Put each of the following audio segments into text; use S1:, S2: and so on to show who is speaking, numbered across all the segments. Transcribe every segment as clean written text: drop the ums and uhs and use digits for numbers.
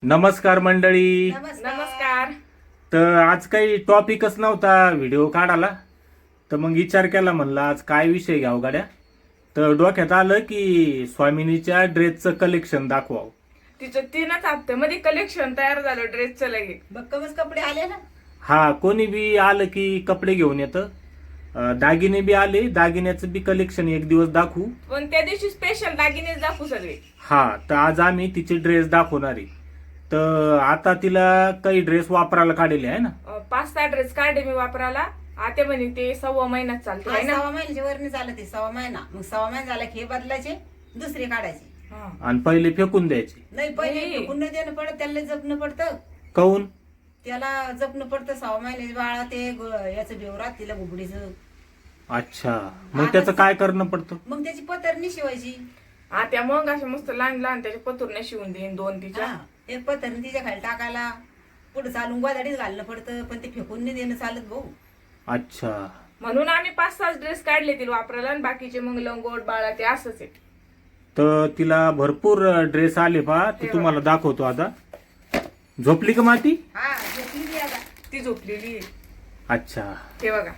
S1: नमस्कार मंडळी.
S2: नमस्कार.
S1: तर आज काही टॉपिकच नव्हता व्हिडिओ काढायला, तर मग विचार केला, म्हणलं आज काय विषय घ्यावं गाड्या. तर डोक्यात आलं की स्वामिनीच्या ड्रेसचं कलेक्शन दाखवावं.
S2: तिचं 3च हप्त्यामध्ये कलेक्शन तयार झालं ड्रेसचं लगे.
S3: बक्कमच कपडे आले ना.
S1: हा, कोणी बी आलं की कपडे घेऊन येतं. दागिने बी आले, दागिन्याचं बी कलेक्शन एक दिवस दाखवू.
S2: पण त्या दिवशी स्पेशल दागिनेच दाखवू सगळे.
S1: हा, तर आज आम्ही तिचे ड्रेस दाखवणार आहे. तर आता तिला काही ड्रेस वापरायला काढलेले आहे ना.
S2: 5-6 ड्रेस काढले मी वापरायला. आता म्हणे ते 1.25 महिन्यात चालते आहे ना.
S3: 6 महिन्याच्या वर चालत ते 6 महिना. मग 6 महिना झाला की हे बदलायचे, दुसरे काढायचे.
S2: हा.
S1: आणि पहिले फेकून द्यायचे.
S3: नाही पहिले
S2: नाही.
S3: पुन्हा देणं पडत, त्याला जपणं पडतं.
S1: काऊन?
S3: त्याला जपणं पडतं. 6 महिन्याचे बाळा ते याचं बेवरात तिला गुबडीचं.
S1: अच्छा, मग त्याचं काय करणं पडतं?
S3: मग त्याची पतरणी शिवायची.
S2: आता मग अशा मस्त लहान लहान त्याच्या पतुरने शिवून देईन 2 तिच्या.
S3: हा, एक पतरणी तिच्या खाली टाकायला पुढे चालून गोदाडीच घालणं पडतं, पण ते फेकून नाही देणं चालत भाऊ.
S1: अच्छा,
S2: म्हणून आम्ही 5-6 ड्रेस काढले तिला वापरायला आणि बाकीचे मग लंगोट बाळा ते असंच आहे.
S1: तर तिला भरपूर ड्रेस आले पहा, ते तुम्हाला दाखवतो आता. झोपली का माती?
S3: हा, झोपली ती आता.
S2: ती झोपलेली आहे.
S1: अच्छा,
S2: हे बघा.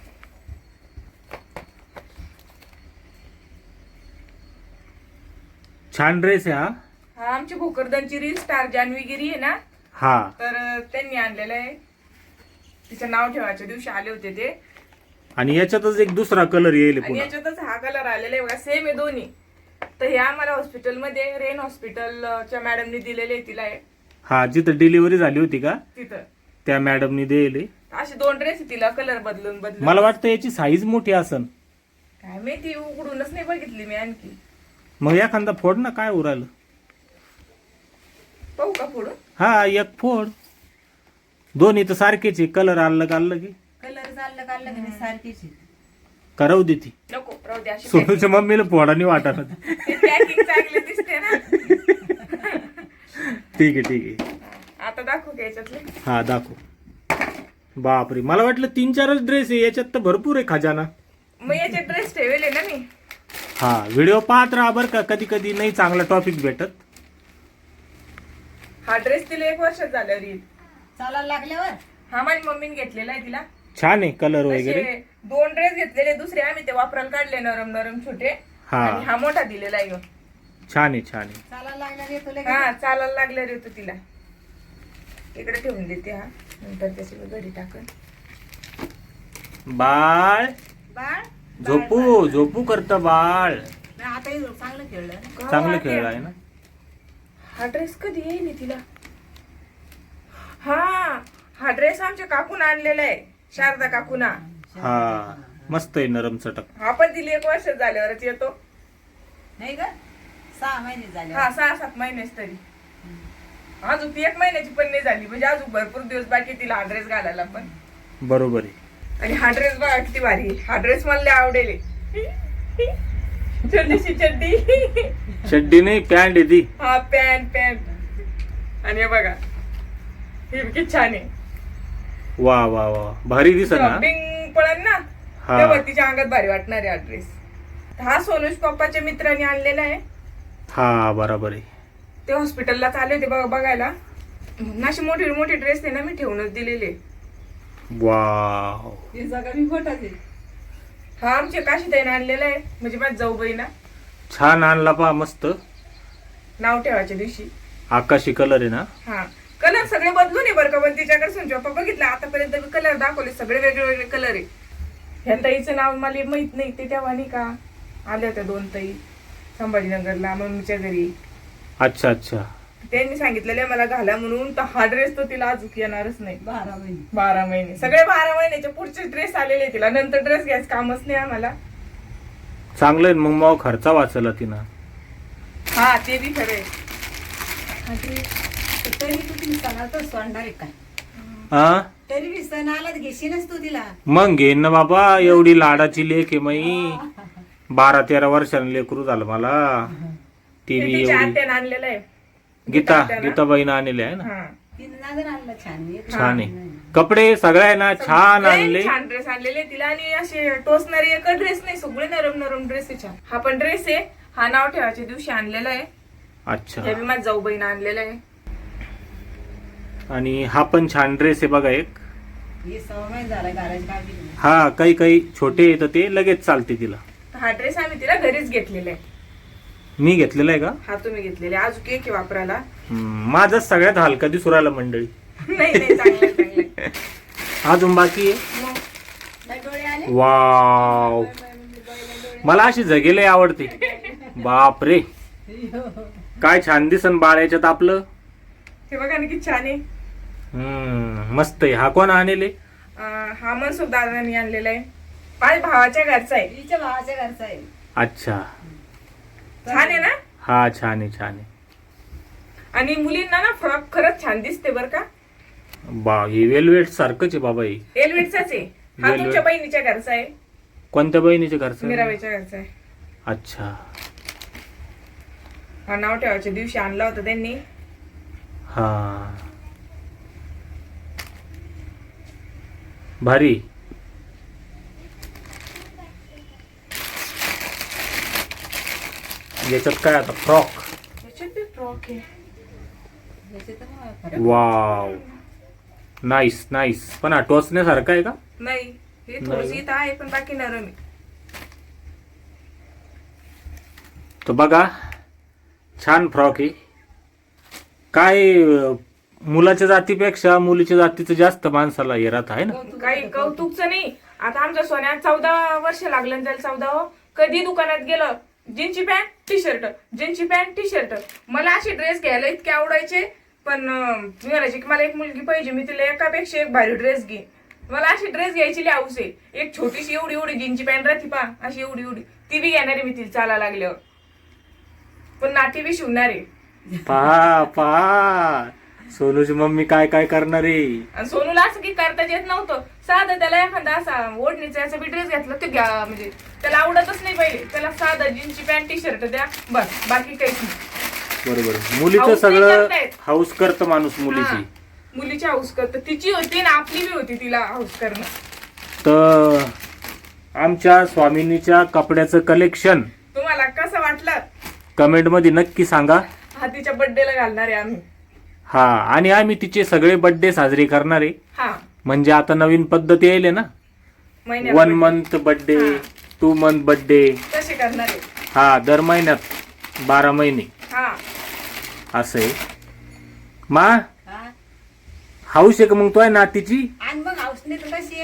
S1: छान ड्रेस आहे हा.
S2: हा आमची भोकरदनची रील स्टार जान्हवीगिरी आहे ना,
S1: हा,
S2: तर त्यांनी आणलेलं आहे. तिचं नाव ठेवायच्या दिवशी आले होते ते.
S1: आणि याच्यातच एक दुसरा कलर येईल
S2: आणि
S1: पुन्हा.
S2: याच्यातच हा कलर आलेला आहे बघा, सेम आहे दोन्ही. तर हे आम्हाला हॉस्पिटलमध्ये रेन हॉस्पिटलच्या मॅडमनी दिलेले आहे तिला हे.
S1: हा, जिथं डिलिव्हरी झाली होती का
S2: तिथं
S1: त्या मॅडमनी दिले.
S2: असे 2 ड्रेस तिला कलर बदलून बदलून.
S1: मला वाटतं याची साईज मोठी असन.
S2: काय माहिती, उघडूनच नाही बघितली मी आणखी.
S1: मग एखादा फोड ना, काय उरालं.
S2: पाहू का फोडून?
S1: हा, एक फोड. दोन्ही तर सारखेच आहे, कलर अलग की
S3: कलर चाललं काढलं की नाही सारखीच आहे.
S1: करवू दे ती.
S2: नको राहू दे. अशी
S1: सोनूच्या मम्मीला फोडानी वाटत.
S2: पॅकिंग चांगली दिसते ना.
S1: ठीक आहे.
S2: आता दाखवू का याच्यातले?
S1: हा, दाखव. बापरे, मला वाटलं 3-4च ड्रेस आहे, याच्यात तर भरपूर आहे खजाना.
S2: मग याचे ड्रेस ठेवले ना मी.
S1: हा, व्हिडिओ पाहत राहा बरं का, कधी कधी नाही चांगला टॉपिक भेटत.
S2: हा ड्रेस तिला 1 वर्षात झाल्यावर येईल.
S3: चालायला लागल्यावर
S2: हा माझ्या मम्मीने घेतलेला आहे तिला.
S1: छान आहे कलर वगैरे.
S2: तसे 2 ड्रेस घेतलेले, दुसरे आम्ही ते वापरायला काढले नरम नरम छोटे.
S1: हा.
S2: आणि हा मोठा दिलेला आहे ह्यो.
S1: छान आहे.
S3: चालायला लागल्यावर येतो लगेच.
S2: हा चालायला लागल्यावर येतो तिला. इकडे ठेवून देते हा, नंतर त्याची घडी टाकन.
S1: बाळ
S3: बाळ
S1: झोपू करत बाळ.
S3: नाही, आता हे चांगलं खेळलं ना.
S1: चांगलं खेळ आहे ना.
S2: हा ड्रेस कधी येईल तिला? हा ड्रेस आमच्या काकून आणलेला आहे, शारदा काकूना.
S1: हा, मस्त आहे, नरम चटक.
S2: हा पण तिला 1 वर्ष झाल्यावरच येतो.
S3: नाही का, 6 महिने झाले.
S2: हा 6-7 महिनेच तरी. अजून ती 1 महिन्याची पण नाही झाली, म्हणजे अजून भरपूर दिवस बाकी तिला हा ड्रेस घालायला पण.
S1: बरोबर आहे.
S2: आणि हा ड्रेस बघा किती भारी आहे. हा ड्रेस मला लय आवडेल. छोटीशी चड्डी.
S1: चड्डी नाही, पॅन्ट आहे ती.
S2: हा पॅन्ट. आणि हे बघा, हे किती छान आहे.
S1: वा, भारी दिसत ना.
S2: शॉपिंग पडन ना,
S1: हा.
S2: तेव्हा तिच्या अंगात भारी वाटणार आहे हा ड्रेस. हा सोनूश पप्पाच्या मित्राने आणलेला आहे.
S1: हा, बरोबर आहे.
S2: ते हॉस्पिटलला चालले होते बघायला. अशी मोठी ड्रेस आहे ना, मी ठेवूनच दिलेले.
S1: वाव,
S3: हे सगळं मी खोटाच आहे.
S2: हा आमच्या काशीताईने आणलेला आहे, म्हणजे माझी जाऊबाईना.
S1: छान आणला पहा, मस्त.
S2: नाव ठेवायच्या दिवशी.
S1: आकाशी कलर आहे ना.
S2: हा कलर सगळे बदलून आहे बरं का, पण तिच्याकडे सोनूचे पप्पा बघितलं आतापर्यंत मी कलर दाखवले, सगळे वेगळे कलर आहे. ह्या ताईचं नाव मला माहित नाही, ते तेव्हा नाही का आल्या होत्या 2 ताई संभाजीनगरला मम्मीच्या घरी.
S1: अच्छा.
S2: त्यांनी सांगितलेलं मला घाला म्हणून. तर हा ड्रेस तो तिला अजून येणारच नाही.
S3: 12 महिने.
S2: 12 महिने सगळे 12 महिन्याचे पुढचे ड्रेस आलेले तिला. नंतर ड्रेस घ्यायचं कामच नाही आम्हाला.
S1: चांगलं आहे मग खर्चा वाचला तिनं.
S2: हा ते बी खरंय.
S3: तरी तू तिने सणाला तर सोडणार आहे काय?
S1: हा,
S3: तरी बी सण आला तर घेशीलच तू तिला.
S1: मग घेईन ना बाबा, एवढी लाडाची लेक आहे माई. 12-13 वर्षांनी लेकरू झालं मला. ती बी
S2: तिच्या
S1: एवढी.
S2: आत्याने आणलेलं आहे.
S1: गीताबाईनं आणले आहे ना.
S2: हा
S3: तिने नादर आणला छान.
S1: छान आहे कपडे, सगळ्यांना छान आणले.
S2: छान ड्रेस आणलेले तिला. आणि असे टोचणारे एक ड्रेस नाही, सगळे नरम ड्रेस आहे छान. हा पण ड्रेस आहे, हा नाव ठेवायच्या दिवशी आणलेला आहे.
S1: अच्छा,
S2: हे बी माझ्या जाऊबाईनं आणलेला आहे.
S1: आणि हा पण छान ड्रेस आहे बघा एक.
S3: हे 6 महिने झाला घालायची काळजी नाही.
S1: हा काही काही छोटे येतं ते लगेच चालते तिला.
S2: हा ड्रेस आम्ही तिला घरीच घेतलेला आहे.
S1: मी घेतलेला आहे का?
S2: हा तुम्ही घेतलेला आहे. अजून एक वापरायला.
S1: माझा सगळ्यात हलका दिसू राहिला मंडळी.
S2: नाही नाही चांगलं आहे, चांगलं आहे.
S1: अजून बाकी आहे.
S2: मग
S3: लय डोळे आले.
S1: वाव, मला अशी जगेले आवडते. बाप रे, काय छान दिसन बाळ याच्यात आपलं.
S2: हे बघा ना किती छान आहे.
S1: मस्त आहे. हा कोण आणले?
S2: हा मनसुख दादांनी आणलेला आहे. माझ्या भावाच्या घरचा आहे.
S3: हिच्या भावाच्या घरचा आहे.
S1: अच्छा,
S2: छान आहे ना.
S1: हा छान आहे, छान आहे.
S2: आणि मुलींना ना फ्रॉक खरंच छान दिसते बर का.
S1: बा, हे वेलवेट सारखंच आहे बाबा. हे
S2: एलवेटचाच आहे हा.
S1: वेलवेट.
S2: तुमच्या बहिणीच्या घरचा आहे.
S1: कोणत्या बहिणीच्या घरचं?
S2: मीराबाईच्या घरचा आहे.
S1: अच्छा,
S2: हा नाव ठेवायच्या दिवशी आणला होता त्यांनी.
S1: हा भारी. याच्यात काय आता? फ्रॉक.
S2: याच्यात बी फ्रॉक आहे.
S3: याचे तर मग फरक.
S1: Wow, nice nice. पण हा टोचण्यासारखा आहे का?
S2: नाही हे
S1: नाही.
S2: थोडीशी इथं आहे पण बाकी नरम आहे.
S1: तो बघा, छान फ्रॉक आहे. काय मुलाच्या जातीपेक्षा मुलीच्या जातीचं जास्त माणसाला हे राहत आहे ना.
S2: काही कौतुकचं नाही. आता आमच्या सोन्यात 14 वर्ष लागलं ना त्याला. 14 कधी दुकानात गेलं जीन्सची पॅन्ट टी शर्ट, जीन्सची पॅन्ट टी शर्ट. मला असे ड्रेस घ्यायला इतके आवडायचे. पण मी म्हणायचे की मला एक मुलगी पाहिजे, मी तिला एकापेक्षा एक भारी ड्रेस घे. मला अशी ड्रेस घ्यायची लई हौस आहे. एक छोटीशी एवढी एवढी जीन्सची पॅन्ट राहते पा, अशी एवढी एवढी, ती बी घेणार आहे मी तिला चालायला लागल्यावर. पण नाटी बी शिवणार आहे.
S1: पहा पहा, सोनूची मम्मी काय काय करणार आहे.
S2: आणि सोनूला असं की करताच येत नव्हतं. साधं त्याला एखादा असा ओढणीचा याचा बी ड्रेस घेतला ते घ्या, म्हणजे त्याला आवडतच नाही पहिले. त्याला साधं जीन्सची पॅन्ट टी शर्ट द्या बस, बाकी काहीच नाही.
S1: बरोबर, मुलीचं
S2: हाऊस नाही
S1: सगळं
S2: करतायत.
S1: हाऊस करतं माणूस मुलीची.
S2: हा, मुलीची हाऊस करत. तिची होती ना आपली बी होती तिला हाऊस करणं.
S1: तर आमच्या स्वामिनीच्या कपड्याचं कलेक्शन
S2: तुम्हाला कसं वाटलं?
S1: कमेंट मध्ये नक्की सांगा.
S2: हा तिच्या बर्थडेला घालणार आहे आम्ही.
S1: हा, आणि आम्ही तिचे सगळे बर्थडे साजरे करणार आहे.
S2: हा
S1: म्हणजे आता नवीन पद्धत येईल ना,
S2: महिन्यात
S1: 1 मंथ बर्थडे,
S2: हा.
S1: 2 मंथ बर्थडे.
S2: कसे करणार आहे.
S1: हा, दर महिन्यात 12 महिने
S2: हा
S1: असं आहे. मा
S3: हा.
S1: हाऊस आहे का मग तो नातीची?
S3: आणि मग हाऊसने तर कशी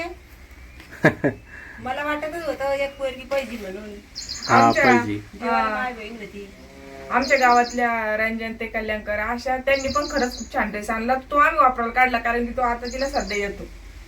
S3: आहे. मला वाटतच होतं एक पोरगी पाहिजे म्हणून.
S1: हा
S2: आमच्या-
S1: पाहिजे.
S3: देवाला माय बहीण होती.
S2: आमच्या गावातल्या रंजन ते कल्याणकर अशा त्यांनी पण खरंच खूप छान ड्रेस आणला. तो आम्ही वापरायला काढला कारण की तो आता तिला सध्या येतो.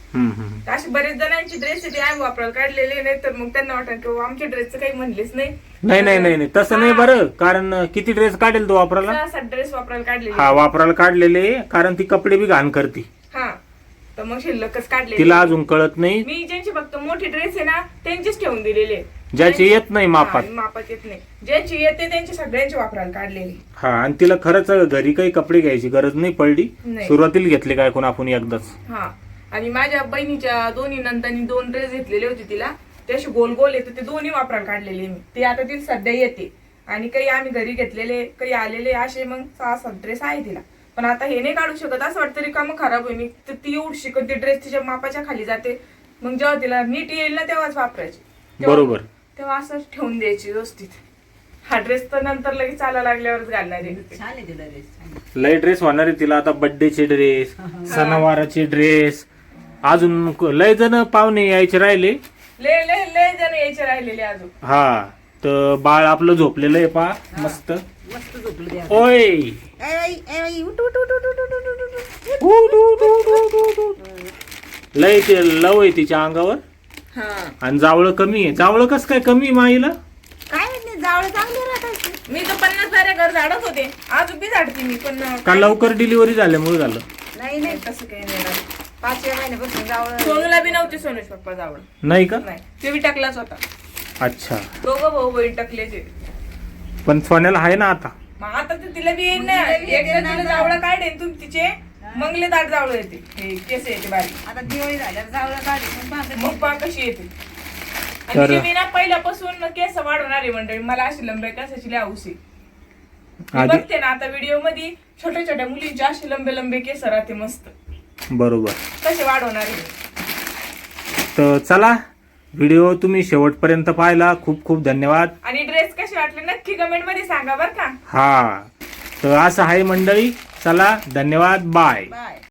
S2: असे बरेच जणांची ड्रेस ते आम्ही वापरायला काढलेले नाही तर मग त्यांना वाटत की आमच्या ड्रेसचं काही म्हणलेच नाही.
S1: नाही नाही नाही नाही, तसं नाही बरं. कारण किती ड्रेस काढेल तो वापरायला?
S2: 6-7 ड्रेस वापरायला काढलेले.
S1: हा, वापरायला काढलेले, कारण ती कपडे बी घाण करते.
S2: हा, तर मग शिल्लकच काढले.
S1: तिला अजून कळत नाही.
S2: मी ज्यांची फक्त मोठी ड्रेस आहे ना त्यांचीच ठेवून दिलेले.
S1: ज्याची येत नाही मापात.
S2: मापात येत नाही, ज्यांची येते त्यांची सगळ्यांची वापरायला काढलेली.
S1: हा, आणि तिला खरंच घरी काही कपडे घ्यायची गरज नाही पडली.
S2: नाही.
S1: सुरुवातीला घेतले काय कोण आपण एकदाच.
S2: हा, आणि माझ्या बहिणीच्या दोन्ही नंदांनी 2 ड्रेस घेतलेले होते तिला. ते असे गोल गोल येते, ते दोन्ही वापरायला काढलेले मी. ते आता तिला सध्या येते. आणि काही आम्ही घरी घेतलेले, काही आलेले, असे मग 6-7 ड्रेस आहे तिला. पण आता हे नाही काढू शकत. असं वाटतं रिकामं खराब होईल. तर ती एवढी शिकत ती ड्रेस तिच्या मापाच्या खाली जाते. मग जेव्हा तिला नीट येईल ना तेव्हाच वापरायची.
S1: बरोबर.
S2: तेव्हा असं ठेवून द्यायची व्यवस्थित. हा ड्रेस तर नंतर लगेच चालायला लागल्यावरच घालणार आहे.
S3: छान आहे तिला ड्रेस.
S1: लय ड्रेस होणार आहे तिला आता. बर्थडेचे ड्रेस, सणावाराचे ड्रेस, अजून लय जण पाहुणे यायचे राहिले.
S2: लय लय लय जण यायचे राहिलेले अजून.
S1: हा, तर बाळ आपलं झोपलेलं आहे पा मस्त.
S3: मस्त झोपलं द्या.
S1: ओय,
S3: ए बाई, उठ उठ उठ उठ उठ उठ उठ उठ.
S1: लय ते लव आहे तिच्या अंगावर.
S2: हा,
S1: आणि जावळं कमी आहे. जावळं कस काय कमी आहे माईला?
S3: काय म्हणते जावळ चांगले राहतात.
S2: मी तर 50 साऱ्या घर झाडत होते. अजून बी झाडते मी. पण
S1: का लवकर डिलिव्हरी झाल्यामुळे झालं?
S3: नाही नाही
S2: तसं काही नाही राहत.
S3: 5 महिन्यापासून जावळ.
S2: सोनूला बी नव्हते सोनूच पप्पा जावळ.
S1: नाही का?
S2: नाही, ते बी टाकलाच होता.
S1: अच्छा,
S2: दोघं भाऊ बहीण टाकलेचे.
S1: पण सोन्याला आहे ना आता.
S2: मग आता तर तिला बी येईल ना.
S3: तिला बी
S2: एकदा
S3: येते ना.
S2: तिला जावळ काढेन तुम्ही तिचे मंगले दाट जावळ येते. हे केस येते बारीक.
S3: आता दिवाळी झाल्यावर जावळ काढली पण पाहते.
S2: मग पहा कशी येते. आणि
S1: तर-
S2: तिचे मी ना पहिल्यापासून केस वाढवणारी मंडळी. मला अशी लंबे केसाची लय हौस आहे. मी
S1: आधी-
S2: बघते ना आता व्हिडिओ मध्ये छोट्या छोट्या मुलींचे असे लंबे लंबे केस राहते मस्त,
S1: बरोबर.
S2: कसे वाढवणार आहे.
S1: तर चला, व्हिडिओ तुम्ही शेवटपर्यंत पाहिला, खूप खूप धन्यवाद.
S2: आणि ड्रेस कसे वाटले नक्की कमेंट मध्ये सांगा बरं का.
S1: हा, तर असं आहे मंडळी. चला, धन्यवाद, बाय.
S3: बाय.